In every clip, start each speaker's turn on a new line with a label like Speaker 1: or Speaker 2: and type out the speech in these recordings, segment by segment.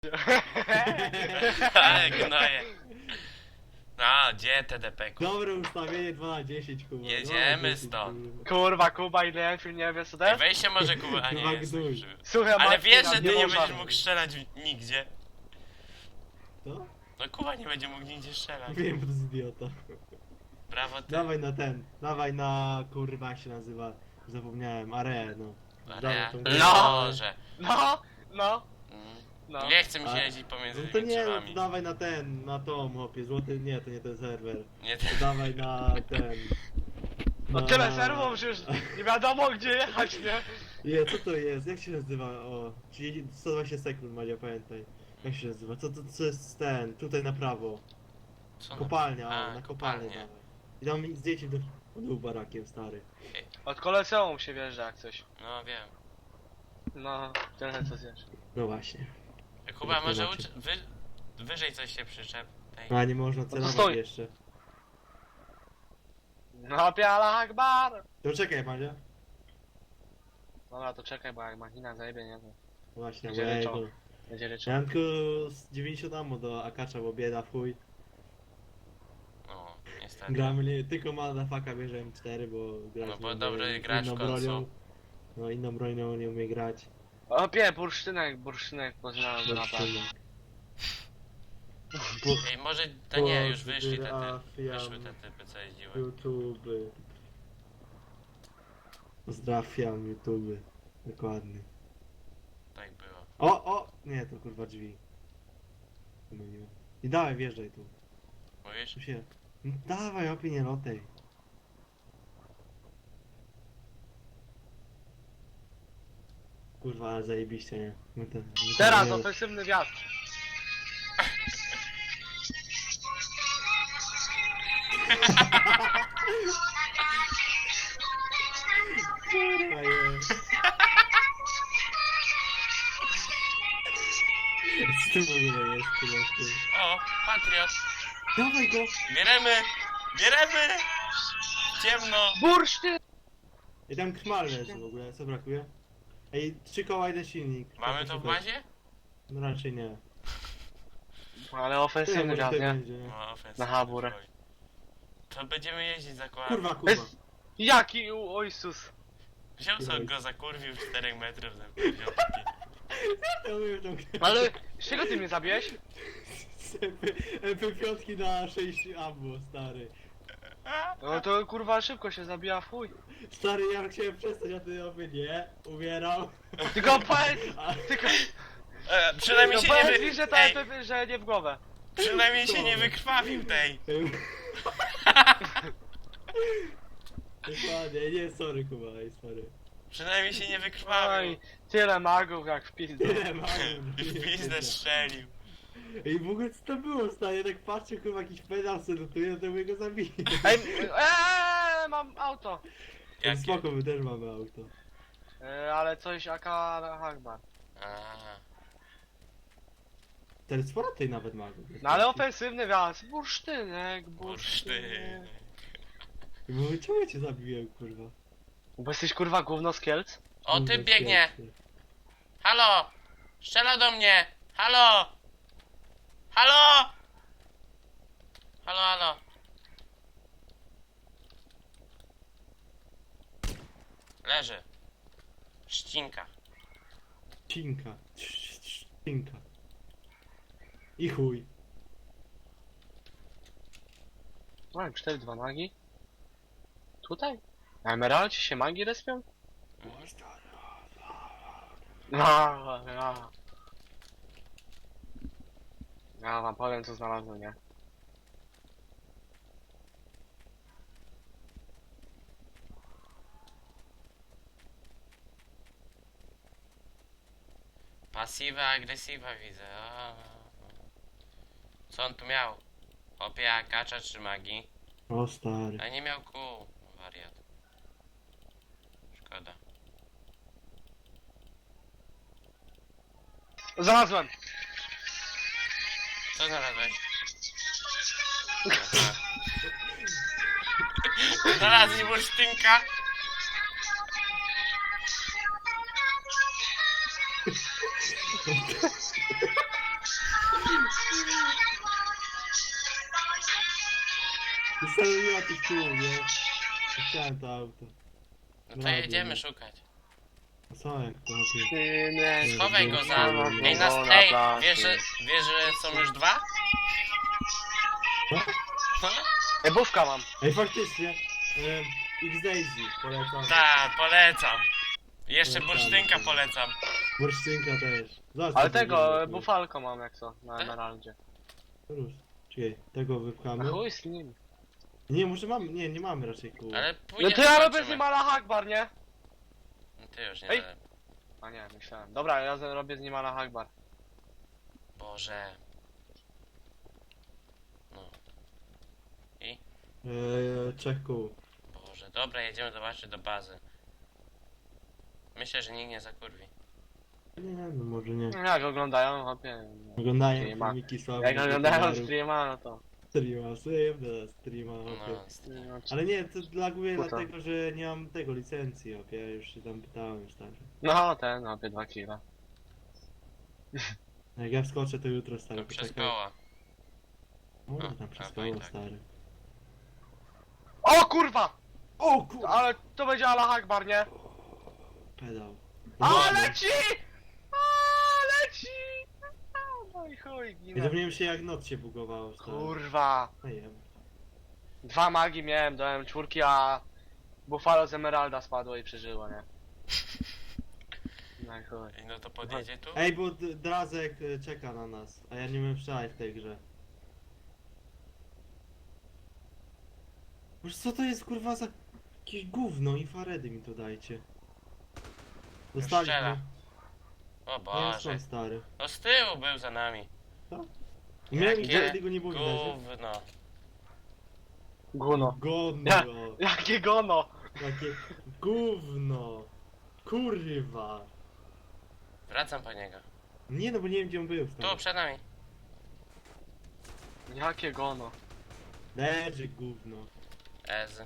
Speaker 1: Ale gnoje. No, gdzie TDP?
Speaker 2: Dobre ustawienie 2 na 10, kurwa.
Speaker 1: Jedziemy
Speaker 2: 2 na 10,
Speaker 1: stąd.
Speaker 2: kurwa.
Speaker 3: Kurwa, Kuba i Enfield nie wie co to
Speaker 1: Ej,
Speaker 3: jest?
Speaker 1: weź się może Kuba, a
Speaker 2: Chyba
Speaker 1: nie jest.
Speaker 2: gnój.
Speaker 3: Słuchaj,
Speaker 1: Ale
Speaker 3: Marcin,
Speaker 1: wiesz,
Speaker 3: a
Speaker 1: że ty nie
Speaker 3: można.
Speaker 1: będziesz mógł strzelać nigdzie.
Speaker 2: Co?
Speaker 1: No Kuba nie będzie mógł nigdzie strzelać.
Speaker 2: Wiem, to jest idiota.
Speaker 1: Brawo ty.
Speaker 2: Dawaj na ten, dawaj na, kurwa jak się nazywa, zapomniałem, Are, no.
Speaker 1: Area.
Speaker 2: Dawaj tą grę.
Speaker 1: Loże.
Speaker 3: No.
Speaker 1: Mm.
Speaker 3: No.
Speaker 1: Nie chce mi się
Speaker 2: A-
Speaker 1: jeździć pomiędzy
Speaker 2: No to
Speaker 1: tymi
Speaker 2: nie, no
Speaker 1: drzewami.
Speaker 2: to dawaj na ten, na tom, chłopie, złoty, nie, to nie ten serwer.
Speaker 1: Nie,
Speaker 2: To dawaj na ten.
Speaker 3: No
Speaker 2: na-
Speaker 3: tyle serwów, że już nie wiadomo gdzie jechać, nie?
Speaker 2: Nie, co to jest? Jak się nazywa? O, 120 sekund, Madzia, pamiętaj. Jak się nazywa? Co jest ten? Tutaj na prawo.
Speaker 1: Co?
Speaker 2: Kopalnia,
Speaker 1: A,
Speaker 2: o, na kopalnię
Speaker 1: kopalnię.
Speaker 2: dawaj. I tam mi zdjęcie do był barakiem, stary.
Speaker 3: Od koleseum się wjeżdża jak coś.
Speaker 1: No wiem.
Speaker 3: No, tyle co zjesz.
Speaker 2: No właśnie.
Speaker 1: Kuba,
Speaker 2: Jak to
Speaker 1: może
Speaker 2: macie?
Speaker 1: wyżej coś się przyczep. Ej.
Speaker 2: A nie można
Speaker 3: to
Speaker 2: celować
Speaker 3: stoi.
Speaker 2: jeszcze.
Speaker 3: No piala Akbar!
Speaker 2: To czekaj, Madzia.
Speaker 3: Dobra, to czekaj, bo jak machina zajebie, nie? To
Speaker 2: Właśnie,
Speaker 3: Będzie
Speaker 2: bo
Speaker 3: leczą.
Speaker 2: jego.
Speaker 3: będzie
Speaker 2: Ja
Speaker 3: leczą.
Speaker 2: mam tylko z 90 ammo do Akacza, bo bieda w chuj.
Speaker 1: No, niestety.
Speaker 2: Gramy nie, tylko motherfucka bierze M4, bo grać
Speaker 1: No bo
Speaker 2: nie
Speaker 1: dobry
Speaker 2: umie
Speaker 1: gracz w
Speaker 2: inną
Speaker 1: końcu.
Speaker 2: bronią. No inną bronią nie umie grać.
Speaker 3: O bursztynek poznałem go naprawdę.
Speaker 2: Po,
Speaker 1: Ej, może to nie, już wyszły te
Speaker 2: Pozdrawiam
Speaker 1: typy, co jeździły.
Speaker 2: YouTube. Pozdrawiam YouTube. Dokładnie.
Speaker 1: Tak było.
Speaker 2: O! Nie, to kurwa drzwi. Pomyliłem. I dawaj, wjeżdżaj tu.
Speaker 1: Mówisz?
Speaker 2: Tu się... No, dawaj, opie, lotej. Kurwa, ale zajebiście, nie?
Speaker 3: Teraz
Speaker 2: nie-
Speaker 3: ofensywny wiatr.
Speaker 2: Kurwa, jest. Co to w ogóle jest, kurwa, ty?
Speaker 1: O, Patriot!
Speaker 2: Dawaj go!
Speaker 1: Bieremy! Bieremy! Ciemno!
Speaker 3: Bursztyn!
Speaker 2: I tam kmal leży w ogóle, co brakuje? Ej, 3 koła, 1 silnik.
Speaker 1: Mamy to w bazie?
Speaker 2: No raczej nie.
Speaker 3: Ale ofensywny
Speaker 2: może
Speaker 3: wiatr,
Speaker 2: tutaj
Speaker 3: nie?
Speaker 2: będzie, nie?
Speaker 1: No, ofensywny
Speaker 3: Na Haburę.
Speaker 1: zbroj. To będziemy jeździć za kołami.
Speaker 2: Kurwa, kurwa.
Speaker 3: Jest... Jaki ojsus?
Speaker 1: Wziął sobie go zakurwił 4 metrów za wziął.
Speaker 2: Ja mówię tą grę.
Speaker 3: Ale z czego ty mnie zabiłeś?
Speaker 2: MP5 na 6 ammo, stary.
Speaker 3: No to kurwa szybko się zabija w chuj.
Speaker 2: Stary, ja chciałem przestać, a ty oby nie. Umierał.
Speaker 3: Tylko powiedz,
Speaker 2: A,
Speaker 3: tylko...
Speaker 1: Przynajmniej
Speaker 3: No
Speaker 1: się nie
Speaker 3: powiedz mi, że to
Speaker 1: Ej,
Speaker 3: że nie w głowę.
Speaker 1: przynajmniej się nie wykrwawił tej.
Speaker 2: Dokładnie, nie, sorry Kuba, ej, sorry.
Speaker 1: Przynajmniej się nie
Speaker 3: Oj,
Speaker 1: wykrwawił.
Speaker 3: tyle magów jak w pizdu.
Speaker 2: Nie, mam.
Speaker 1: W pizdę strzelił.
Speaker 2: Ej, w ogóle co to było, stary? Tak patrzę, kurwa, jakiś pedał sobie lutuje, to my go zabiję.
Speaker 3: Ej, mam auto.
Speaker 1: Jakie?
Speaker 2: Spoko, my też mamy auto.
Speaker 3: Ale coś AK Akbar.
Speaker 1: A,
Speaker 2: Ten sporo tej nawet ma.
Speaker 3: No ale ofensywny wiatr. Bursztynek,
Speaker 1: bursztyn.
Speaker 2: Bo czemu ja cię zabiłem, kurwa?
Speaker 3: Bo jesteś kurwa gówno z Kielc?
Speaker 1: O,
Speaker 2: Kurwa,
Speaker 1: ty biegnie!
Speaker 2: świetnie.
Speaker 1: Halo! Strzela do mnie! Halo! Halo! Halo, halo! Leży. Ścinka.
Speaker 2: Cinka. Cinka. I chuj.
Speaker 3: Mam 4-2 magi. Tutaj? Na Emeraldzie się magi respią? No. Ja wam powiem co znalazłem, nie?
Speaker 1: Pasywa, agresywa widzę. O. Co on tu miał? Opia, kacza czy magii?
Speaker 2: O stary.
Speaker 1: A nie miał kół. Wariat. Szkoda.
Speaker 3: Znalazłem!
Speaker 1: Co znalazłeś? Aha. Znalazli bursztynka.
Speaker 2: Ustawiła tych kół, nie? Chciałem to auto.
Speaker 1: No to
Speaker 2: Dobra,
Speaker 1: jedziemy
Speaker 2: nie.
Speaker 1: szukać.
Speaker 2: A co jak to robię?
Speaker 3: Nie,
Speaker 1: Schowaj go za...
Speaker 2: Ej,
Speaker 1: Ej, nas...
Speaker 3: na
Speaker 1: Ej,
Speaker 3: plaży.
Speaker 1: wiesz, że są już dwa?
Speaker 2: Co?
Speaker 1: No?
Speaker 3: Ej, bówka mam.
Speaker 2: Ej, faktycznie. X-Daisy polecam.
Speaker 1: Tak, polecam. Jeszcze
Speaker 2: Polecamy.
Speaker 1: bursztynka polecam.
Speaker 2: Bursztynka też. Zobacz,
Speaker 3: Ale
Speaker 2: co
Speaker 3: tego,
Speaker 2: zrobiłem.
Speaker 3: bufalko mam jak co, na emeraldzie.
Speaker 2: Rusz. Czekaj, tego
Speaker 3: A
Speaker 2: wypchamy.
Speaker 3: chuj z nim.
Speaker 2: Nie, może mamy, nie mamy raczej kół.
Speaker 1: Ale
Speaker 3: No
Speaker 1: pójdziemy,
Speaker 3: to ja robię z
Speaker 1: zobaczymy.
Speaker 3: nim ala Hakbar, nie?
Speaker 1: No ty już nie
Speaker 3: Ej.
Speaker 1: dalej.
Speaker 3: A nie, myślałem. Dobra, ja robię z nim ala Hakbar.
Speaker 1: Boże. No.
Speaker 2: Trzech kół.
Speaker 1: Boże. Dobra, jedziemy zobaczyć do bazy. Myślę, że nikt nie zakurwi.
Speaker 2: Nie, no może nie.
Speaker 3: Jak oglądają, hopie.
Speaker 2: Oglądają
Speaker 3: Streama.
Speaker 2: filmiki słabe.
Speaker 3: Jak oglądają streama, no to.
Speaker 2: Streama, streama,
Speaker 1: No,
Speaker 2: okej.
Speaker 3: No,
Speaker 2: Ale nie, to laguje
Speaker 3: Puta.
Speaker 2: dlatego, że nie mam tego licencji, ja już się tam pytałem stary.
Speaker 3: no ten, hopie 2 kila.
Speaker 2: Jak ja wskoczę to jutro stary,
Speaker 1: No przez
Speaker 2: poczekaj.
Speaker 1: koła.
Speaker 2: Może
Speaker 1: A,
Speaker 2: tam przez
Speaker 1: a, no i
Speaker 2: koło
Speaker 1: tak.
Speaker 2: stary.
Speaker 3: O kurwa!
Speaker 2: O kur...
Speaker 3: Ale to będzie ala Hakbar, nie?
Speaker 2: Pedał.
Speaker 3: A leci! A leci! No i chuj,
Speaker 2: Ja
Speaker 3: ginę.
Speaker 2: zapomniałem się jak noc się bugowało stary.
Speaker 3: Kurwa.
Speaker 2: No jem.
Speaker 3: 2 magi miałem, dałem 4, a Buffalo z Emeralda spadło i przeżyło, nie? No i chuj.
Speaker 1: Ej, no to podjedzie tu?
Speaker 2: Ej, bo Drazek czeka na nas, a ja nie umiem strzelać w tej grze. Boże, co to jest kurwa za jakieś gówno? Infaredy mi to dajcie.
Speaker 1: strzela.
Speaker 2: Dostaliśmy.
Speaker 1: O
Speaker 2: Nie
Speaker 1: Boże.
Speaker 2: stąd stary.
Speaker 1: No z tyłu był za nami.
Speaker 2: Miałem
Speaker 1: Jakie
Speaker 2: gdzie go nie było widać. nie?
Speaker 1: Gówno.
Speaker 3: Guno.
Speaker 2: Godno.
Speaker 3: Ja- Jakie gono!
Speaker 2: Takie gówno. Kurwa.
Speaker 1: Wracam po niego.
Speaker 2: Nie no, bo nie wiem gdzie on był
Speaker 1: Tu,
Speaker 2: stary.
Speaker 1: przed nami.
Speaker 3: Jakie gono.
Speaker 2: Leży gówno.
Speaker 1: Ez.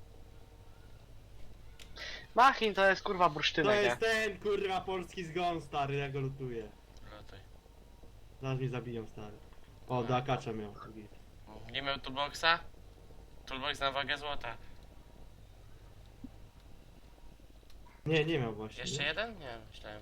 Speaker 3: Machin to jest kurwa
Speaker 2: To
Speaker 3: bursztynek, nie?
Speaker 2: jest ten kurwa polski zgon stary, ja go lutuję.
Speaker 1: Lotuj.
Speaker 2: Zaraz mnie zabiją stary. O, do akacza miał. Git.
Speaker 1: Nie miał toolboxa? Toolbox na wagę złota.
Speaker 2: Nie, nie miał właśnie.
Speaker 1: Jeszcze
Speaker 2: nie?
Speaker 1: jeden? Nie, myślałem.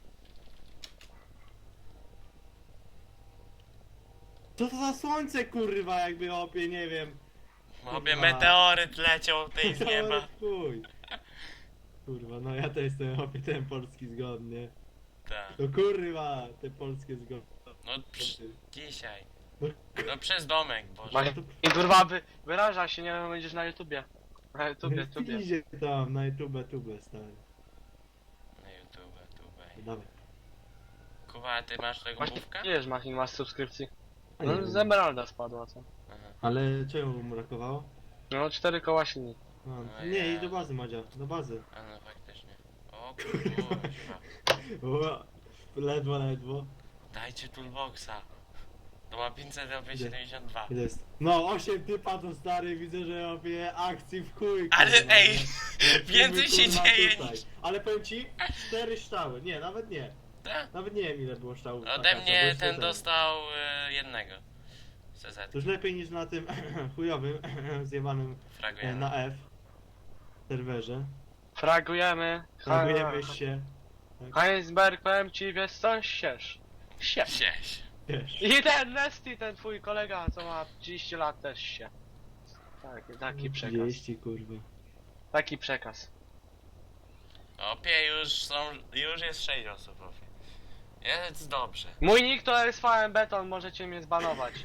Speaker 2: Co to za słońce kurwa jakby opie, nie wiem.
Speaker 1: Obie
Speaker 2: Kurwa.
Speaker 1: meteoryt leciał tej z nieba.
Speaker 2: Chuj. Kurwa, no ja to jestem opie ten polski zgon, nie?
Speaker 1: Tak.
Speaker 2: No kurwa, te polskie zgon.
Speaker 1: No dzisiaj.
Speaker 2: No,
Speaker 1: No przez domek, Boże.
Speaker 3: Machin kurwa wyraża się, nie wiem, będziesz na YouTubie. Na YouTubie, tubie.
Speaker 2: Idzie tam na YouTube, stary.
Speaker 1: Na YouTube, tube.
Speaker 2: Dawaj.
Speaker 1: Kuba, a ty masz tego
Speaker 3: Właśnie,
Speaker 1: główka?
Speaker 3: ileż Machin masz subskrypcji?
Speaker 2: A nie
Speaker 3: No
Speaker 2: wiem.
Speaker 3: z Emeralda spadła, co?
Speaker 1: Aha.
Speaker 2: Ale czego mu brakowało?
Speaker 3: No 4 koła silni.
Speaker 2: No,
Speaker 1: No
Speaker 2: nie, i
Speaker 1: ja.
Speaker 2: do bazy Madzia, do bazy.
Speaker 1: A no faktycznie. O kurwa.
Speaker 2: O, ledwo, ledwo.
Speaker 1: Dajcie toolboxa. To ma 572.
Speaker 2: Ile jest? No, 8 typa to stary, widzę, że robię akcji w chuj.
Speaker 1: Ale
Speaker 2: kurwa,
Speaker 1: ej,
Speaker 2: nie? Lecimy,
Speaker 1: więcej się
Speaker 2: kurwa,
Speaker 1: dzieje
Speaker 2: tutaj.
Speaker 1: niż...
Speaker 2: Ale powiem ci, 4 ształy. Nie, nawet nie.
Speaker 1: Tak?
Speaker 2: Nawet nie wiem ile było ształów.
Speaker 1: Ode
Speaker 2: Akacza, bo
Speaker 1: mnie
Speaker 2: jeszcze
Speaker 1: ten dostał jednego. CZ.
Speaker 2: To już lepiej niż na tym chujowym, zjebanym
Speaker 1: Fragujemy.
Speaker 2: na F serwerze.
Speaker 3: Fragujemy.
Speaker 2: Fragujemy się.
Speaker 3: Heinsberg, powiem ci, wiesz co? Siesz.
Speaker 1: Sieś.
Speaker 2: Wiesz.
Speaker 3: I ten Nesty, ten twój kolega, co ma 30 lat, też się. Tak, taki przekaz.
Speaker 2: 30 kurwa.
Speaker 3: Taki przekaz.
Speaker 1: Opie, już jest 6 osób, opie. Jest dobrze.
Speaker 3: Mój nick to SVM Beton, możecie mnie zbanować.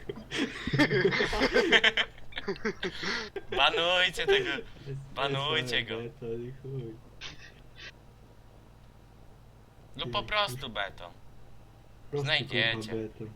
Speaker 1: Banujcie tego. Banujcie go.
Speaker 2: To i chuj.
Speaker 1: No po prostu beton.
Speaker 2: Prosty,
Speaker 1: Znajdziecie.
Speaker 2: kurwa, beton.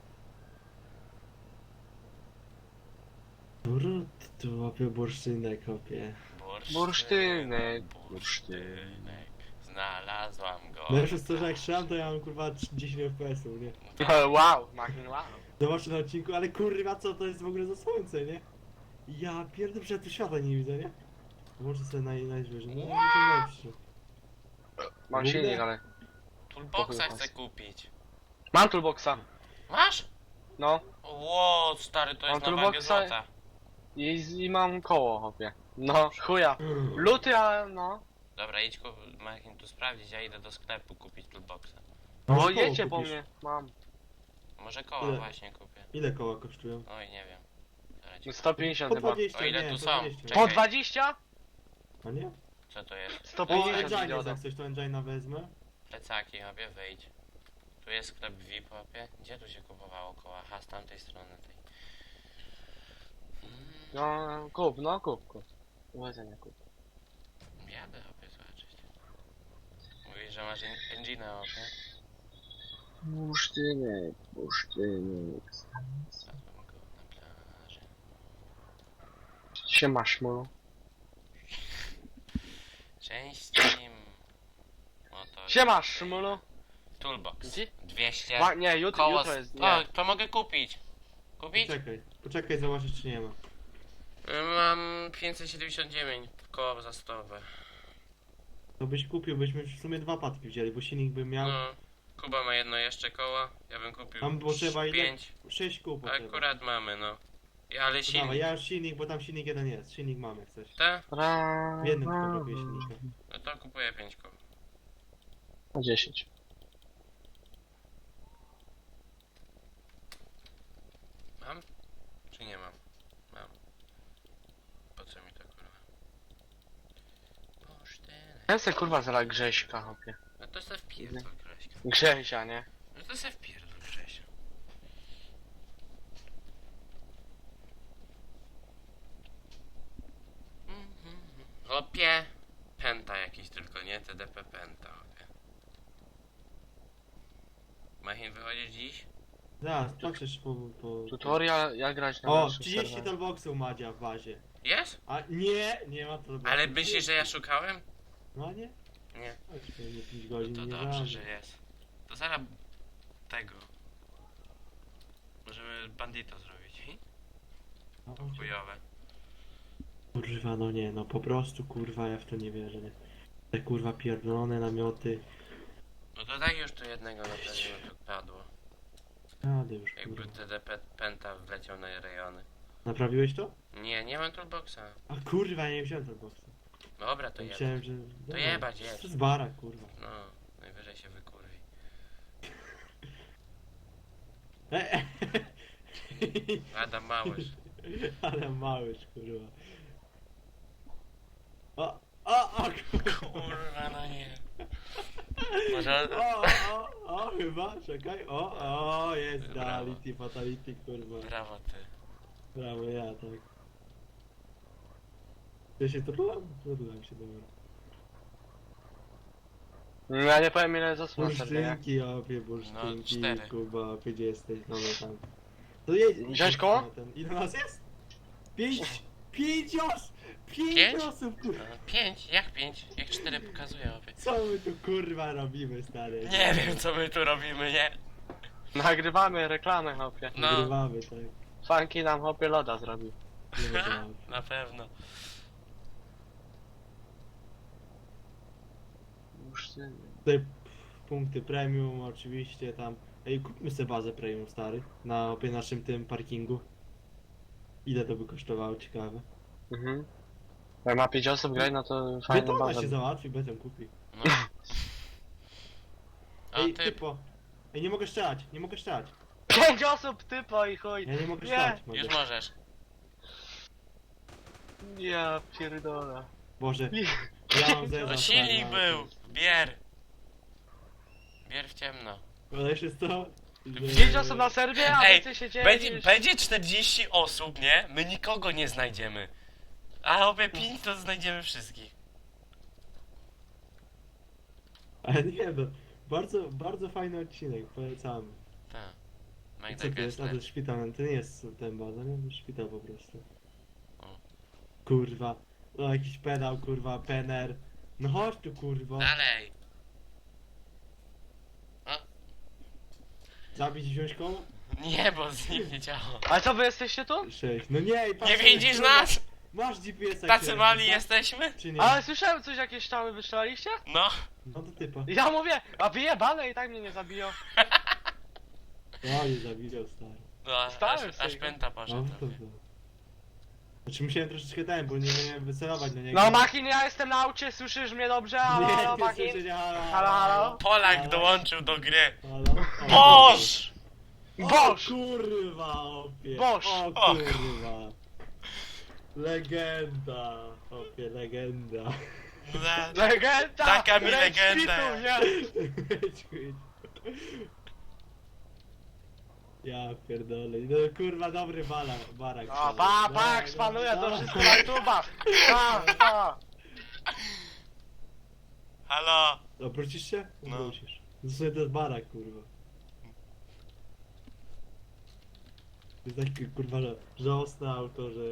Speaker 2: Brud, tu łapie bursztynek, kopie.
Speaker 3: Bursztynek.
Speaker 1: Bursztynek. Znalazłam go.
Speaker 2: Najlepsze jest to, że jak strzelam, to ja mam kurwa 10 FPS-ów, nie?
Speaker 3: Wow, Machin, wow.
Speaker 2: Zobaczcie na odcinku, ale kurwa co to jest w ogóle za słońce, nie? Ja pierdolę, że ja tu świata nie widzę, nie? Może sobie najwyżej, no
Speaker 1: Wow!
Speaker 2: to lepszy.
Speaker 3: Mam silnik, ale...
Speaker 1: Toolboxa chcę kupić.
Speaker 3: Mam toolboxa.
Speaker 1: Masz?
Speaker 3: No.
Speaker 1: Ło, stary, to jest
Speaker 3: Mam
Speaker 1: na wagę
Speaker 3: toolboxa.
Speaker 1: złota.
Speaker 3: I mam koło, hopie. No, chuja. Luty, a no.
Speaker 1: Dobra, idź Machin tu sprawdzić, ja idę do sklepu kupić toolboxa.
Speaker 3: No,
Speaker 2: koło
Speaker 3: jedźcie po
Speaker 2: kupisz.
Speaker 3: mnie. Mam.
Speaker 1: Może koła
Speaker 2: Ile?
Speaker 1: właśnie kupię.
Speaker 2: Ile koła kosztują?
Speaker 1: Oj, nie wiem. Zaraz ci powiem.
Speaker 3: 150
Speaker 2: Po
Speaker 3: chyba.
Speaker 2: 20,
Speaker 1: O ile
Speaker 2: nie,
Speaker 1: tu
Speaker 2: po
Speaker 1: są?
Speaker 2: 20.
Speaker 1: Czekaj.
Speaker 3: Po 20?
Speaker 2: A nie?
Speaker 1: Co to jest?
Speaker 2: O,
Speaker 3: 150
Speaker 2: Engine
Speaker 3: idiota.
Speaker 2: jak coś, to Engina wezmę.
Speaker 1: Plecaki, hopie, wyjdź. Tu jest sklep VIP, hopie. Gdzie tu się kupowało koła? Aha, z tamtej strony tej.
Speaker 3: No, kup, no kup. Uważaj, kup.
Speaker 1: Jadę, hopie, zobaczyć. Mówisz, że masz engine'a, hopie?
Speaker 3: Bursztynek.
Speaker 1: Zadłem go na plaży.
Speaker 3: Siema, szmulu.
Speaker 1: Cześć team. Oto
Speaker 3: Siema,
Speaker 1: jest
Speaker 3: szmulu.
Speaker 1: Toolbox.
Speaker 3: Gdzie?
Speaker 1: 200.
Speaker 3: Nie,
Speaker 1: Koło
Speaker 3: jutro jest.
Speaker 1: O,
Speaker 3: Nie.
Speaker 1: to mogę kupić. Kupić?
Speaker 2: Poczekaj, zobaczysz czy nie ma.
Speaker 1: Mam 579 koła zastosowe.
Speaker 2: To byś kupił, byśmy w sumie 2 patki wzięli, bo silnik bym miał.
Speaker 1: No. Kuba ma jedno jeszcze koło. Ja bym kupił
Speaker 2: Tam było trzeba ile?
Speaker 1: 5.
Speaker 2: 6 kół potrzeba.
Speaker 1: Akurat mamy, no. Ale
Speaker 2: To
Speaker 1: silnik.
Speaker 2: dawaj, ja już silnik, bo tam silnik jeden jest. Silnik mamy jak coś.
Speaker 1: Te?
Speaker 2: W jednym tylko brakuje silnika.
Speaker 1: No to kupuję 5 koł.
Speaker 3: Na 10.
Speaker 1: Mam? Czy nie mam? Mam. Po co mi to kurwa? Posztynek.
Speaker 3: Ja se kurwa zara Grześka, hopie.
Speaker 1: No to se wpierdol Grześka.
Speaker 3: Grzesia, nie?
Speaker 1: No to se wpierdol Grześka. Hopie. Penta jakiś tylko, nie? TDP Penta, hopie. Machin wychodzisz dziś?
Speaker 2: Zaraz, patrzysz po...
Speaker 3: Tutorial jak grać na
Speaker 2: O,
Speaker 3: naszym
Speaker 2: 30
Speaker 3: serwerze.
Speaker 2: toolboxów Madzia w bazie.
Speaker 1: Jest?
Speaker 2: A nie ma toolboxów.
Speaker 1: Ale myślisz, że ja szukałem?
Speaker 2: No nie?
Speaker 1: Nie.
Speaker 2: Chodź, to nie 5 godzin,
Speaker 1: To
Speaker 2: nie
Speaker 1: dobrze,
Speaker 2: żadne.
Speaker 1: że jest. To zaraz tego. Możemy bandito zrobić.
Speaker 2: No,
Speaker 1: Chujowe.
Speaker 2: kurwa, no nie, no po prostu kurwa, ja w to nie wierzę, nie. Te kurwa pierdolone namioty.
Speaker 1: No to tak już tu jednego na pewno tu padło.
Speaker 2: Jadę już
Speaker 1: Jakby
Speaker 2: kurwa.
Speaker 1: TDP Penta wleciał na rejony.
Speaker 2: Naprawiłeś to?
Speaker 1: Nie, nie mam toolboxa.
Speaker 2: A kurwa, nie wziąłem toolboxa.
Speaker 1: Dobra, to jeba.
Speaker 2: Myślałem, że...
Speaker 1: To jebać, jedź.
Speaker 2: To z bara, kurwa.
Speaker 1: No, najwyżej się wykurwi. Adam Małysz.
Speaker 2: Ale małyż, kurwa. O,
Speaker 1: Kurwa, no nie. Może...
Speaker 2: o, chyba, czekaj, jest
Speaker 1: Brawo.
Speaker 2: reality, fatality, kurwa.
Speaker 1: Brawo ty.
Speaker 2: Brawo, ja, tak. Ja się trudlam się, dobra.
Speaker 3: Ja nie powiem ile zasłon nie?
Speaker 2: Bursztynki, opie, bursztynki,
Speaker 1: No, 4.
Speaker 2: Kuba, gdzie jesteś, no tam. To jedź.
Speaker 3: Wziąć koło?
Speaker 2: Ile nas jest? 5 osób! 5
Speaker 1: Pięć?
Speaker 2: osób, kurwa!
Speaker 1: 5? Jak 5? Jak 4 pokazuje obie.
Speaker 2: Co my tu kurwa robimy, stary?
Speaker 1: Nie wiem co my tu robimy, nie?
Speaker 3: Nagrywamy reklamę, hopie.
Speaker 1: No.
Speaker 2: Nagrywamy, tak.
Speaker 3: Funky nam hopie loda zrobił.
Speaker 2: Nie ma żadnych.
Speaker 1: Na pewno.
Speaker 2: Tutaj punkty premium, oczywiście tam. Ej, kupmy sobie bazę premium, stary. Na opie naszym tym parkingu. Ile to by kosztowało, ciekawe.
Speaker 3: Mhm. Jak ma 5 osób grać, no to fajna
Speaker 2: Betona
Speaker 3: baza.
Speaker 2: się załatwi, beton kupi.
Speaker 1: No. A
Speaker 2: Ej,
Speaker 1: ty,
Speaker 2: typo. Ej, nie mogę strzelać, nie mogę strzelać.
Speaker 3: 5 osób typo i chuj.
Speaker 2: Ja nie mogę
Speaker 3: Nie.
Speaker 2: strzelać,
Speaker 1: już
Speaker 2: mogę.
Speaker 1: możesz.
Speaker 3: Ja pierdolę.
Speaker 2: Boże, ja mam zezam.
Speaker 1: No silnik był! Bier! Bier w ciemno.
Speaker 2: Ale jeszcze jest to...
Speaker 3: 5 osób na serwie, a
Speaker 1: Ej,
Speaker 3: ty się dzieje.
Speaker 1: Będzie 40 osób, nie? My nikogo nie znajdziemy. A obie 5 to znajdziemy wszystkich.
Speaker 2: Ale nie no, bardzo fajny odcinek, polecamy.
Speaker 1: Tak.
Speaker 2: Co
Speaker 1: Magda
Speaker 2: to jest? A to
Speaker 1: Gessler.
Speaker 2: jest szpital, to nie jest ten baza, nie? To jest szpital po prostu.
Speaker 1: O.
Speaker 2: Kurwa, no jakiś pedał, kurwa, pener. No chodź tu, kurwa.
Speaker 1: Dalej.
Speaker 2: Zabić i wziąć koło?
Speaker 1: Nie, bo z nim nie działa.
Speaker 3: A co wy jesteście tu?
Speaker 2: 6. No nie, i patrz,
Speaker 1: Nie widzisz
Speaker 2: kurwa,
Speaker 1: nas?
Speaker 2: Masz GPS-a.
Speaker 1: Tacy
Speaker 2: kierowca,
Speaker 1: mali
Speaker 2: tak?
Speaker 1: jesteśmy?
Speaker 2: Czy nie?
Speaker 3: Ale słyszałem coś, jakieś strzały wystrzelaliście?
Speaker 1: No.
Speaker 2: No to typa.
Speaker 3: I ja mówię, a wyjebane i tak mnie nie zabiją.
Speaker 2: No nie zabiją, stary.
Speaker 1: No,
Speaker 3: Stałem
Speaker 1: aż
Speaker 3: sobie.
Speaker 1: pęta
Speaker 2: No
Speaker 1: poszedł.
Speaker 2: to. Znaczy musiałem troszeczkę ten, bo nie miałem wycelować na niego.
Speaker 3: No Machin, ja jestem na aucie, słyszysz mnie dobrze? Halo,
Speaker 2: Nie,
Speaker 3: halo,
Speaker 2: nie
Speaker 3: Machin?
Speaker 2: słyszę cię, halo,
Speaker 3: Halo, halo?
Speaker 1: Polak
Speaker 2: Halo?
Speaker 1: dołączył do gry.
Speaker 2: Halo? O,
Speaker 1: Boż!
Speaker 3: Boż!
Speaker 2: O kurwa, opie.
Speaker 3: Boż!
Speaker 2: O
Speaker 1: O.
Speaker 2: kurwa. Legenda, opie, legenda.
Speaker 3: Legenda!
Speaker 1: Taka mi
Speaker 3: Rage
Speaker 1: legenda
Speaker 3: Pitu,
Speaker 1: jest.
Speaker 3: nie?
Speaker 2: Ja pierdolę. No kurwa, dobry barak.
Speaker 3: O, pak, spanuje to wszystko na YouTube'a! Pa!
Speaker 1: Halo!
Speaker 2: Obrócisz się?
Speaker 1: No.
Speaker 2: Obrócisz. Zresztą to jest barak, kurwa. To jest takie kurwa żałosne auto, że...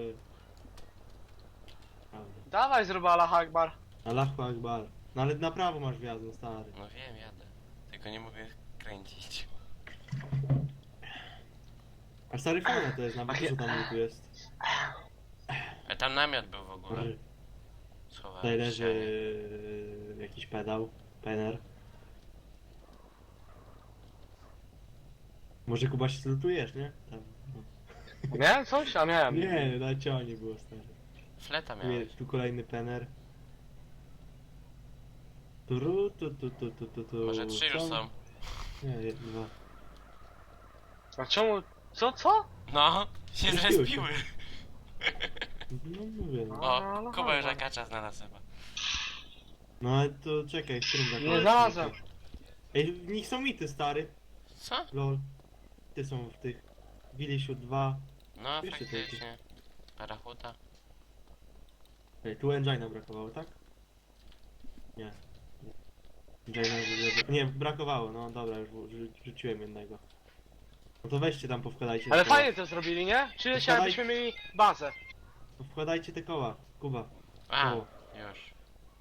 Speaker 2: Prawda.
Speaker 3: Dawaj zrób Allah Akbar.
Speaker 2: Allahu Akbar. No ale na prawo masz wjazd, no stary.
Speaker 1: No wiem, jadę. Tylko nie mogę kręcić.
Speaker 2: A stary fajna to jest, nawet co tam tu jest.
Speaker 1: A tam namiot był w ogóle.
Speaker 2: Tutaj
Speaker 1: Schowałem w
Speaker 2: leży
Speaker 1: ścianie.
Speaker 2: jakiś pedał, pener. Może Kuba się zlutujesz, nie? Tam, no.
Speaker 3: Miałem coś? A miałem.
Speaker 2: Nie, na ciągnie było stary.
Speaker 1: Fleta miałeś.
Speaker 2: Tu kolejny pener. Tu.
Speaker 1: Może 3 już są.
Speaker 2: Nie, dwa.
Speaker 3: A czemu? Co?
Speaker 1: No, się
Speaker 2: Zrespiły się.
Speaker 1: zrespiły.
Speaker 2: No mówię, no.
Speaker 1: O, Kuba już akacza znalazł chyba.
Speaker 2: No ale to czekaj, w którym zakładzie?
Speaker 3: Nie znalazłem.
Speaker 2: Ej, w nich są mity, stary.
Speaker 1: Co?
Speaker 2: Lol. Ty są w tych. Wilisiu 2.
Speaker 1: No,
Speaker 2: Jeszcze
Speaker 1: faktycznie. Parachuta.
Speaker 2: Ej, tu engina brakowało, tak? Nie. Engina nie, brakowało, no dobra, już rzuciłem jednego. No to weźcie tam, powkładajcie
Speaker 3: Ale
Speaker 2: te koła.
Speaker 3: fajnie to zrobili, nie? Czuję się
Speaker 2: Wkładaj-
Speaker 3: jakbyśmy mieli bazę.
Speaker 2: Wkładajcie te koła, Kuba.
Speaker 1: A,
Speaker 2: O.
Speaker 1: już.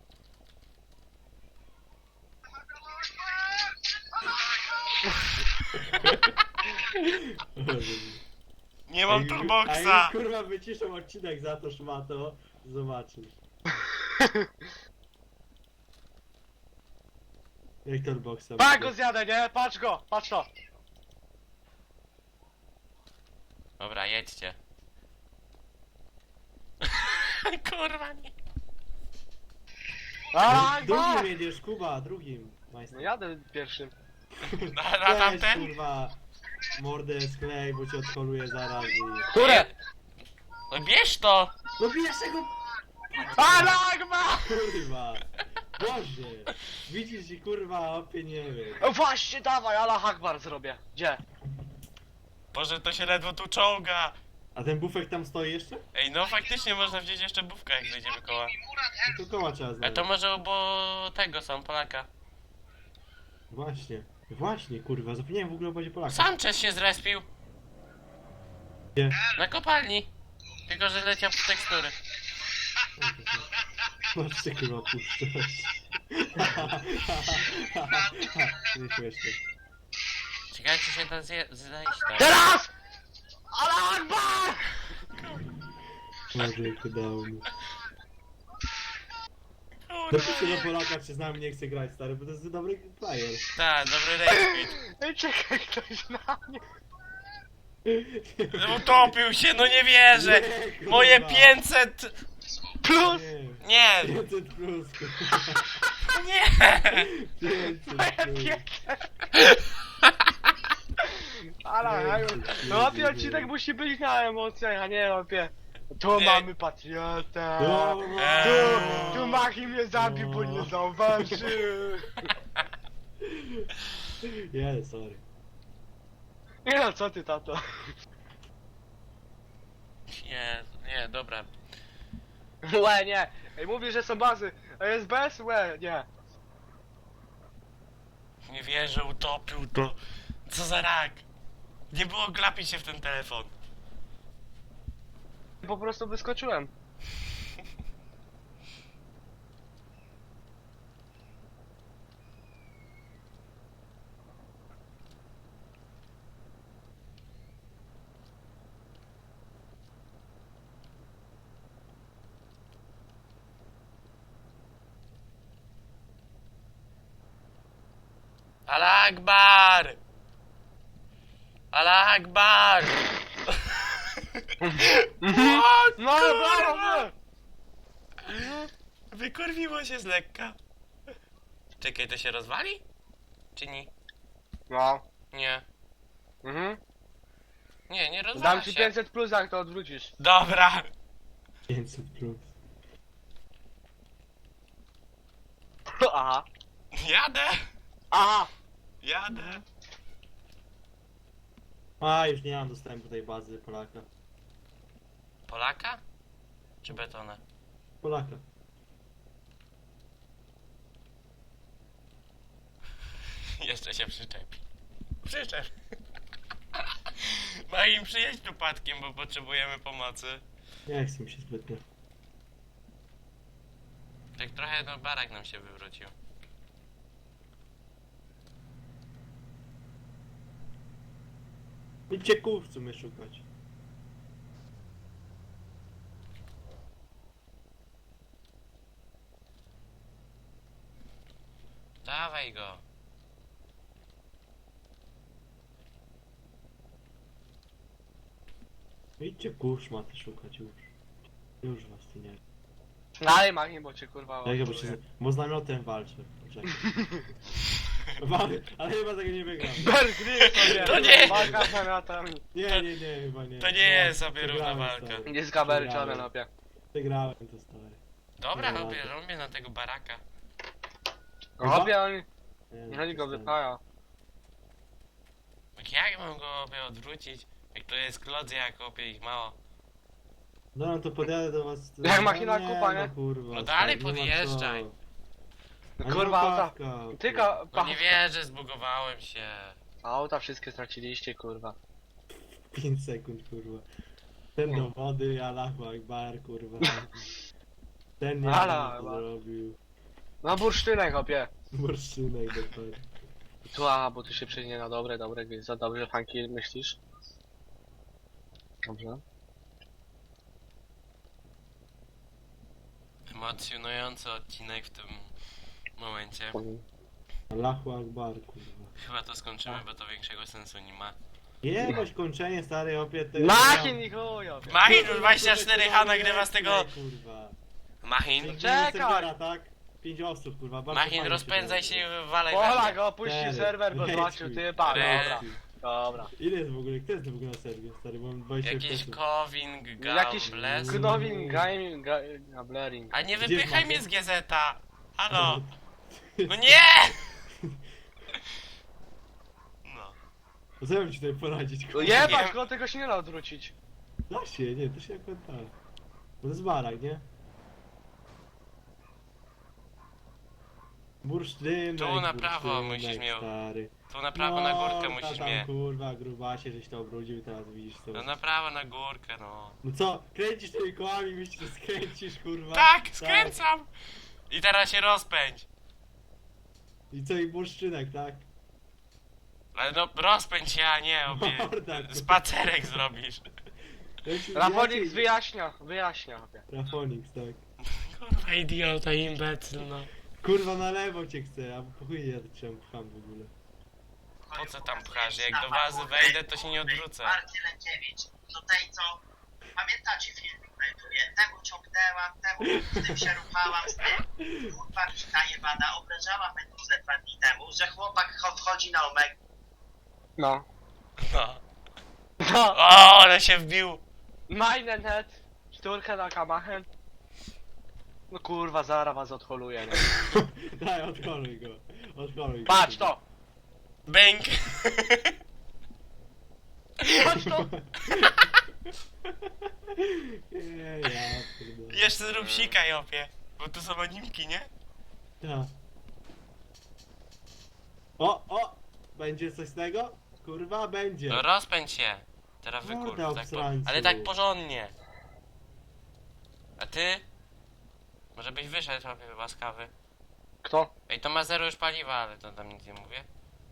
Speaker 1: Nie mam
Speaker 2: A
Speaker 1: turboxa!
Speaker 2: jak kurwa wyciszą odcinek za to szmato, zobaczysz. Jak turboxa
Speaker 3: Patrz
Speaker 2: będzie?
Speaker 3: go zjadę, nie? Patrz to.
Speaker 1: Dobra, jedźcie. Kurwa nie.
Speaker 3: Allah
Speaker 2: Drugim
Speaker 3: Akbar!
Speaker 2: jedziesz, Kuba, drugim. Majster.
Speaker 3: No jadę pierwszym.
Speaker 1: Na
Speaker 2: Weź,
Speaker 1: tamten?
Speaker 2: kurwa, mordę sklej, bo cię odholuje zaraz i...
Speaker 3: Które?
Speaker 1: No bierz to!
Speaker 2: No pierwszego,
Speaker 3: Allah Akbar!
Speaker 2: kurwa! Boże! Widzisz i kurwa, opie nie wiem.
Speaker 3: O, właśnie, dawaj, Allah Akbar zrobię. Gdzie?
Speaker 1: Boże, to się ledwo tu czołga!
Speaker 2: A ten bufek tam stoi jeszcze?
Speaker 1: Ej, no faktycznie można wziąć jeszcze bufkę, jak zejdziemy koła.
Speaker 2: No to koła trzeba
Speaker 1: A
Speaker 2: znaleźć.
Speaker 1: to może bo tego są, Polaka.
Speaker 2: Właśnie, kurwa, zapomniałem w ogóle o bazie Polaka.
Speaker 1: Sanchez się zrespił.
Speaker 2: Gdzie?
Speaker 1: Na kopalni. Tylko, że leciał w tekstury.
Speaker 2: Masz się kurwa puszczać. Nie śmieszne.
Speaker 1: Ciekawe, czy się da zejść tam.
Speaker 3: Teraz! Allah Akbar!
Speaker 2: Może jak udało mi.
Speaker 1: Kurwa.
Speaker 2: Napiszcie do Polaka, czy z nami nie chce grać, stary, bo to jest dobry player.
Speaker 1: Tak, dobry rejspit.
Speaker 3: Ej, czekaj, ktoś na mnie.
Speaker 1: Utopił się, no nie wierzę!
Speaker 2: Nie, kurwa.
Speaker 1: Moje 500...
Speaker 3: Plus!
Speaker 2: Nie,
Speaker 1: Nie!
Speaker 2: 500 plus, kurwa.
Speaker 1: Nie!
Speaker 2: 500
Speaker 3: Moje
Speaker 2: plus.
Speaker 3: piękne. Ale, no opie odcinek musi być na emocjach, a nie opie. Tu
Speaker 1: Nie.
Speaker 3: mamy patriotę.
Speaker 2: No,
Speaker 3: Tu Machi mnie zabił, bo nie zauważył.
Speaker 2: Nie, sorry.
Speaker 3: Nie no, co ty tato?
Speaker 1: Nie, dobra.
Speaker 3: Łe, nie. Ej, mówi, że są bazy. A jest bez? Łe, nie.
Speaker 1: Nie wierzę, utopił to. Co za rak? Nie było glapić się w ten telefon.
Speaker 3: Po prostu wyskoczyłem.
Speaker 1: Allah Akbar! Allah Akbar!
Speaker 3: No ale brawo,
Speaker 1: Wykurwiło się z lekka. Czekaj, to się rozwali? Czy nie?
Speaker 3: No.
Speaker 1: Nie.
Speaker 3: Mhm.
Speaker 1: Nie rozwala
Speaker 3: Dam ci
Speaker 1: się.
Speaker 3: 500 plus, jak to odwrócisz.
Speaker 1: Dobra.
Speaker 2: 500 plus.
Speaker 3: Aha.
Speaker 1: Jadę.
Speaker 3: Aha.
Speaker 1: Jadę.
Speaker 2: A, już nie mam dostępu do tej bazy Polaka.
Speaker 1: Polaka? Czy betona?
Speaker 2: Polaka.
Speaker 1: Jeszcze się przyczepi. Przyczep. Ma im przyjeść tu padkiem, bo potrzebujemy pomocy.
Speaker 2: Nie chcę mi się zbytnio.
Speaker 1: Tak trochę no barak nam się wywrócił.
Speaker 2: Idźcie kół w sumie szukać.
Speaker 1: Dawaj go.
Speaker 2: Idźcie kół szmaty szukać już. Już was tu nie.
Speaker 3: Dalej machnie, bo cię kurwa
Speaker 2: Jak bo, się, bo z namiotem walczę. Czekaj. Ale chyba tego nie wygram.
Speaker 3: Bergry sobie!
Speaker 1: To nie!
Speaker 3: Walka z namiotami.
Speaker 2: Nie, chyba nie.
Speaker 1: To nie jest sobie równa
Speaker 2: Przegrałem,
Speaker 1: walka.
Speaker 2: stary.
Speaker 3: Nie zgaberczone nopie.
Speaker 2: Przegrałem to stary.
Speaker 1: Dobra,
Speaker 2: No,
Speaker 1: robię na tego baraka.
Speaker 3: Hopie, oni
Speaker 2: Nie,
Speaker 3: oni go
Speaker 2: to stary.
Speaker 3: wypaja.
Speaker 1: Jak mam go obie odwrócić? Jak to jest klodzy, jak opie ich mało.
Speaker 2: No to podjadę do was.
Speaker 3: Jak machina
Speaker 2: nie,
Speaker 3: kupa, nie?
Speaker 2: No, kurwa,
Speaker 1: No dalej
Speaker 2: stary, nie ma
Speaker 1: podjeżdżaj.
Speaker 2: co.
Speaker 3: No
Speaker 2: A nie
Speaker 3: kurwa,
Speaker 2: ma
Speaker 3: auta.
Speaker 2: pawka,
Speaker 3: Tylko
Speaker 1: No nie wierzę, zbugowałem się.
Speaker 3: Auta wszystkie straciliście, kurwa.
Speaker 2: 5 sekund, kurwa. Ten do wody, Allahu Akbar, kurwa. Ten nie
Speaker 3: Ala,
Speaker 2: wiem, co
Speaker 3: Akbar.
Speaker 2: zrobił.
Speaker 3: No bursztynek, hopie.
Speaker 2: Bursztynek dokładnie.
Speaker 3: Tu, bo tu się przyjdzie na dobre gry. Za dobrze, Funky, myślisz? Dobrze.
Speaker 1: Emocjonujący odcinek w tym momencie.
Speaker 2: Allahu Akbar, kurwa.
Speaker 1: Chyba to skończymy, bo to większego sensu nie ma.
Speaker 2: Jebać kończenie, stary, opiet.
Speaker 3: Machin i chuj, hopie.
Speaker 1: Machin 24H nagrywa z tego...
Speaker 2: Kurwa.
Speaker 1: Machin,
Speaker 3: Czekaj!
Speaker 2: Tak? 5 osób, kurwa. bardzo
Speaker 1: Machin,
Speaker 2: fajnie
Speaker 1: rozpędzaj
Speaker 2: się
Speaker 1: się
Speaker 2: robi.
Speaker 1: i walej
Speaker 3: Pola
Speaker 1: we
Speaker 3: go opuścił
Speaker 2: Cztery.
Speaker 3: serwer, bo
Speaker 2: Leci.
Speaker 3: zobaczył typa,
Speaker 1: Cztery.
Speaker 3: dobra. Dobra.
Speaker 2: Ile jest w ogóle? Kto jest w ogóle na serwie, stary? Mam 20
Speaker 1: Jakiś
Speaker 2: osób.
Speaker 1: Kowing,
Speaker 3: Jakiś
Speaker 1: Gambles.
Speaker 3: Knowin Gambling.
Speaker 1: A nie
Speaker 2: Gdzie
Speaker 1: wypychaj
Speaker 2: jest
Speaker 1: mnie z GZ-a! Halo!
Speaker 2: No.
Speaker 1: No nie! No.
Speaker 2: To co ja mam ci tutaj poradzić, kurwa?
Speaker 3: Jebać go, tego się nie da odwrócić.
Speaker 2: Da się, nie, to się akurat da. Bo to jest barak, nie? Bursztynek,
Speaker 1: Tu na prawo
Speaker 2: bursztynek,
Speaker 1: musisz mnie-
Speaker 2: stary.
Speaker 1: Tu na prawo na górkę
Speaker 2: No,
Speaker 1: musisz
Speaker 2: tam,
Speaker 1: mnie.
Speaker 2: kurwa, grubasie, żeś to obrudził, teraz widzisz co.
Speaker 1: No na prawo na górkę, no.
Speaker 2: No co, kręcisz tymi kołami, myślisz, że skręcisz, kurwa.
Speaker 1: Tak, skręcam! I teraz się rozpędź.
Speaker 2: I co, i bursztynek, tak?
Speaker 1: Ale no rozpędź się, a nie obie.
Speaker 2: Morda,
Speaker 1: Spacerek zrobisz.
Speaker 3: Rafonix wyjaśnia, hopie.
Speaker 2: Rafonix, tak.
Speaker 1: Kurwa idiota, imbecyl, no.
Speaker 2: Kurwa, na lewo cię chcę, a po chuj ja czemu pcham w ogóle.
Speaker 1: Po co tam pchasz? Jak do wazy wejdę, to się nie odwrócę.
Speaker 4: Marty Lękiewicz, to tej co, pamiętacie filmik na YouTubie, temu ciągnęłam, temu z tym się ruchałam, z tym, kurwa kita jebana, obrażała Meduzę 2 dni temu, że chłopak wchodzi na Omega.
Speaker 3: No.
Speaker 1: No.
Speaker 3: No.
Speaker 1: O, ale się wbił.
Speaker 3: Minenet, szturkę na kamachen. No kurwa, zaraz was odholuję, nie?
Speaker 2: Daj, odkoluj go. Odkoluj go.
Speaker 3: Patrz to!
Speaker 1: Bęk.
Speaker 3: Patrz to!
Speaker 2: Nie, ja pierdolę.
Speaker 1: Jeszcze zrób sika, Jopie. Bo tu są animki, nie?
Speaker 2: Ja. O! Będzie coś z tego? Kurwa, będzie.
Speaker 1: No rozpędź się. Teraz
Speaker 2: Morda,
Speaker 1: wykur. Tak
Speaker 2: obsrańcu.
Speaker 1: ale tak porządnie. A ty? Może byś wyszedł, Jopie, łaskawy.
Speaker 3: Kto?
Speaker 1: Ej, to ma zero już paliwa, ale to tam nic nie mówię.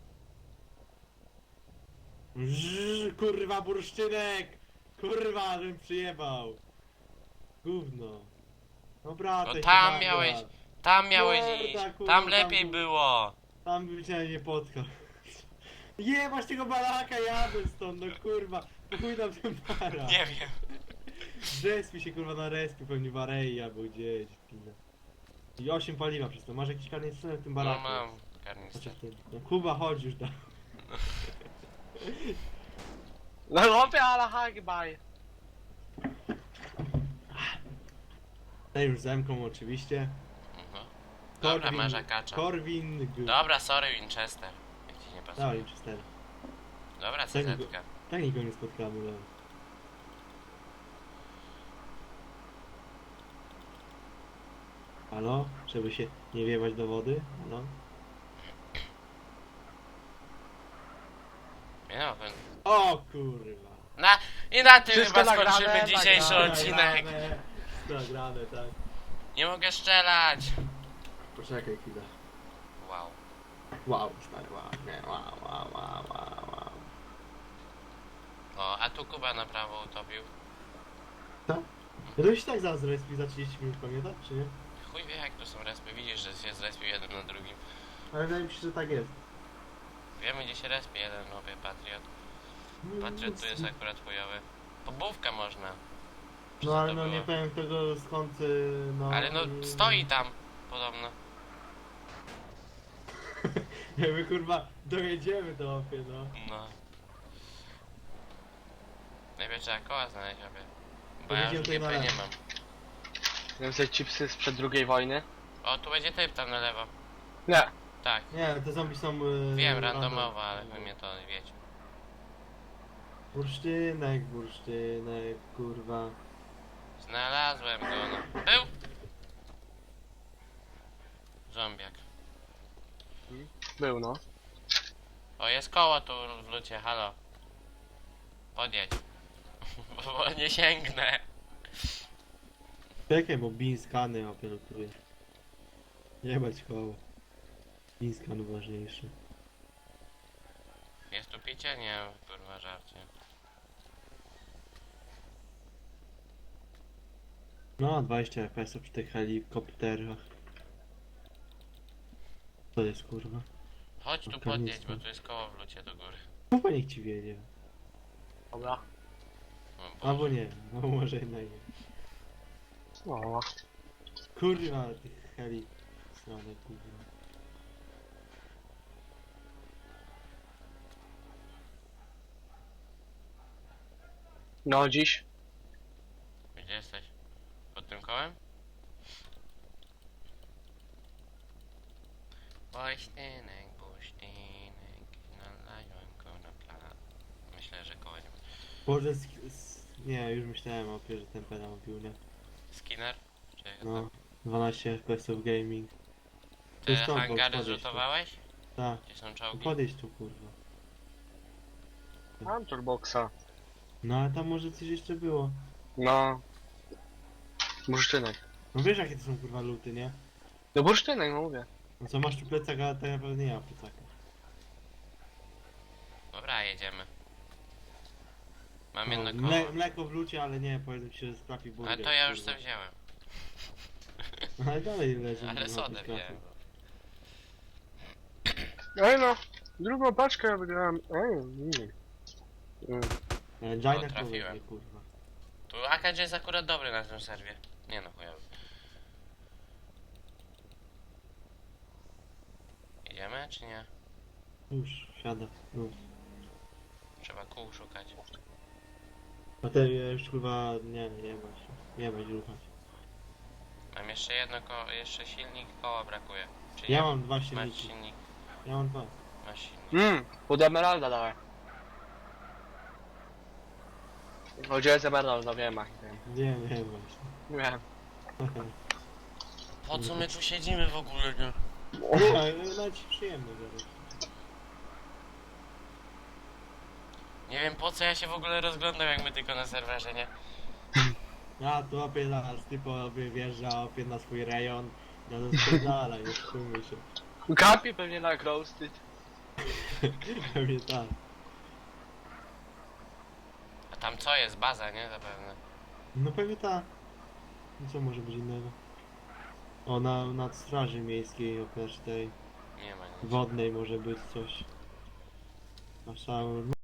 Speaker 2: Kurwa, bursztynek! Kurwa, żebym przyjebał. Gówno. Dobra,
Speaker 1: No
Speaker 2: to się
Speaker 1: tam
Speaker 2: nagra.
Speaker 1: miałeś, tam miałeś
Speaker 2: Morda,
Speaker 1: iść.
Speaker 2: kurwa,
Speaker 1: Tam
Speaker 2: tam
Speaker 1: lepiej
Speaker 2: był-
Speaker 1: było.
Speaker 2: Tam bym się nie potkał. Jebać tego balaka, jadę stąd, no kurwa. Chuj tam ten para.
Speaker 1: Nie wiem.
Speaker 2: Respi się kurwa na respie, pewnie w Arei albo gdzieś. Pizda. I 8 paliwa przez to. Masz jakiś karnister w tym
Speaker 1: No
Speaker 2: baraku?
Speaker 1: mam
Speaker 2: Znaczy
Speaker 1: karnister.
Speaker 2: w tym. No Kuba, chodź już da.
Speaker 3: No chłopie, ale hagbaj.
Speaker 2: Ten już zemką oczywiście.
Speaker 1: Mhm. Dobra, masz akacza.
Speaker 2: Korwin.
Speaker 1: Dobra, sorry Winchester. Jak ci nie pasuje.
Speaker 2: Dawaj, 4.
Speaker 1: Dobra,
Speaker 2: Tak,
Speaker 1: CZ-ka.
Speaker 2: Tak nikogo nie spotkamy, ale. Halo? Żeby się nie wiewać do wody? Halo?
Speaker 1: Nie no,
Speaker 2: O kurwa!
Speaker 1: I na tym
Speaker 3: Wszystko
Speaker 1: chyba
Speaker 3: nagrane,
Speaker 1: skończymy dzisiejszy
Speaker 3: nagrane.
Speaker 1: odcinek.
Speaker 2: Nagrane, tak.
Speaker 1: Nie mogę strzelać.
Speaker 2: Poczekaj chwilę.
Speaker 1: Wow.
Speaker 2: Wow, stary, wow, nie, wow.
Speaker 1: O, a tu Kuba na prawo utopił.
Speaker 2: Co? Ja to się tak zaraz respi za 30 minut, pamiętasz, czy nie?
Speaker 1: Chuj wie jak tu są respy, widzisz, że się zrespił jeden na drugim.
Speaker 2: Ale wydaje mi się, że tak jest.
Speaker 1: Wiemy gdzie się respie jeden nowy Patriot. Patriot tu jest akurat chujowy. Pobówka można.
Speaker 2: No ale
Speaker 1: to
Speaker 2: no
Speaker 1: było?
Speaker 2: nie powiem tego skąd, no...
Speaker 1: Ale no stoi tam podobno.
Speaker 2: My kurwa dojedziemy do opie, no.
Speaker 1: No. Najpierw trzeba koła znaleźć obie. Bo ja
Speaker 2: Powiedział
Speaker 1: już
Speaker 2: tutaj na
Speaker 1: GP nie
Speaker 2: lewo.
Speaker 1: mam.
Speaker 3: Wiem sobie chipsy sprzed II wojny.
Speaker 1: O, tu będzie typ tam na lewo.
Speaker 3: Nie.
Speaker 1: Tak.
Speaker 2: Nie, te zombie są...
Speaker 1: Wiem, randomowo, ale wy mnie to wiecie.
Speaker 2: Bursztynek, kurwa.
Speaker 1: Znalazłem go, no. Był! Zombiak.
Speaker 3: Był no.
Speaker 1: O, jest koło tu w lucie, halo. Podjedź. Bo nie sięgnę.
Speaker 2: Czekaj, bo bean skany operatuje. Jebać koło. Bean skan ważniejszy.
Speaker 1: Jest tu picie? Nie, kurwa żarcie.
Speaker 2: No, 20 FPS przy tych helikopterach. Co jest kurwa?
Speaker 1: Chodź tu
Speaker 2: Karnictwo.
Speaker 1: podjedź, bo tu jest koło w lucie do góry.
Speaker 2: Chyba niech ci wiedzie.
Speaker 3: Dobra.
Speaker 1: O Boże.
Speaker 2: Albo nie, no może jednak nie.
Speaker 3: No.
Speaker 2: Kurwa, tych heli. Stronę kurwa.
Speaker 3: No dziś.
Speaker 1: Gdzie jesteś? Pod tym kołem? Bośtynek, znalazłem go na plan. Myślę, że koło nie ma.
Speaker 2: Boże, nie, już myślałem o że ten pedał mówił, nie?
Speaker 1: Skinner? Czy jak
Speaker 2: No,
Speaker 1: to?
Speaker 2: 12 FPS gaming.
Speaker 1: Ty
Speaker 2: stąd, bo
Speaker 1: hangary
Speaker 2: podejść tu.
Speaker 1: zrzutowałeś?
Speaker 2: Tak,
Speaker 1: Gdzie są czołgi?
Speaker 2: podejść tu kurwa.
Speaker 3: Mam turboxa.
Speaker 2: No ale tam może coś jeszcze było.
Speaker 3: No. Bursztynek.
Speaker 2: No wiesz jakie to są kurwa luty, nie?
Speaker 3: No bursztynek, no mówię.
Speaker 2: No co, masz tu plecak, a tak naprawdę nie ma plecaka.
Speaker 1: Dobra, jedziemy. Mam
Speaker 2: No,
Speaker 1: jedno koło.
Speaker 2: mleko w lucie, ale nie, powiedzmy ci, że trafi burger.
Speaker 1: Ale to ja już
Speaker 2: kurwa.
Speaker 1: sobie wziąłem.
Speaker 2: No, ale dalej leży.
Speaker 1: Ale
Speaker 2: na
Speaker 1: sodę
Speaker 2: tym trafi.
Speaker 1: wziąłem.
Speaker 3: Ej no. Drugą paczkę wygrałem.
Speaker 2: Jaina
Speaker 1: O, trafiłem.
Speaker 2: powiedz, kurwa.
Speaker 1: Tu AKG jest akurat dobry na tym serwie. Nie no, chujowy. Idziemy, czy nie?
Speaker 2: Już, siada. No.
Speaker 1: Trzeba kół szukać.
Speaker 2: A te już kurwa, nie bać ruchać.
Speaker 1: Mam jeszcze jedno koło, jeszcze silnik, koła brakuje. Czy
Speaker 2: Ja
Speaker 1: nie?
Speaker 2: mam 2
Speaker 1: Masz
Speaker 2: silniki.
Speaker 1: silnik,
Speaker 2: Ja mam 2.
Speaker 1: masz silnik.
Speaker 3: Pod emeralda dałem. O, gdzie jest emeralda, wiem, ach, wiem.
Speaker 2: Nie właśnie.
Speaker 3: Wiem.
Speaker 1: Po co my tu siedzimy w ogóle, nie?
Speaker 2: Ale nawet ci przyjemny zaraz.
Speaker 1: Nie wiem po co ja się w ogóle rozglądam, jak my tylko na serwerze, nie?
Speaker 2: Ja tu opie zaraz typo wjeżdża opie na swój rejon. Ja to spierdala, nie szkujmy się.
Speaker 3: Kapi pewnie na roasted.
Speaker 2: Pewnie tak.
Speaker 1: A tam co jest? Baza, nie? Zapewne.
Speaker 2: No pewnie tak. No co może być innego? O, nad straży miejskiej oprócz tej
Speaker 1: Nie ma nic.
Speaker 2: wodnej może być coś. Masz tam